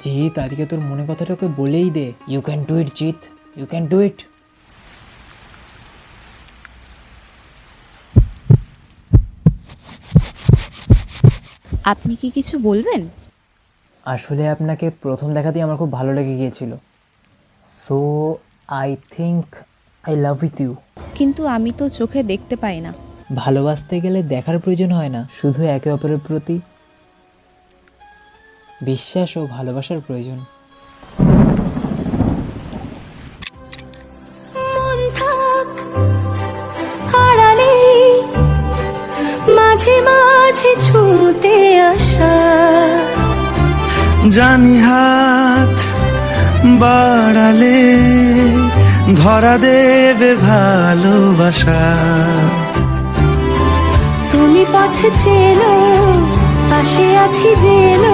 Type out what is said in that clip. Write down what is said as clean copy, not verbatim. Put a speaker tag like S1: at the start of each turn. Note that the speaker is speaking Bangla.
S1: জিৎ, আজকে তোর মনে কথাটা ওকে বলেই দে। You can do it Jeet, you can do it.
S2: আপনি কি কিছু বলবেন?
S1: আসলে আপনাকে প্রথম দেখাতেই আমার খুব ভালো লেগে গিয়েছিল। So I think I love with you.
S2: কিন্তু আমি তো চোখে দেখতে পাই না।
S1: ভালোবাসতে গেলে দেখার প্রয়োজন হয় না, শুধু একে অপরের প্রতি বিশ্বাস ও ভালোবাসার প্রয়োজন।
S3: মন থাক আড়ালে, মাঝে মাঝে ছুঁতে আসা,
S4: জানি হাত বাড়ালে ধরা দেবে ভালোবাসা।
S3: তুমি পথ চেনো, পাশে আছি জেনো,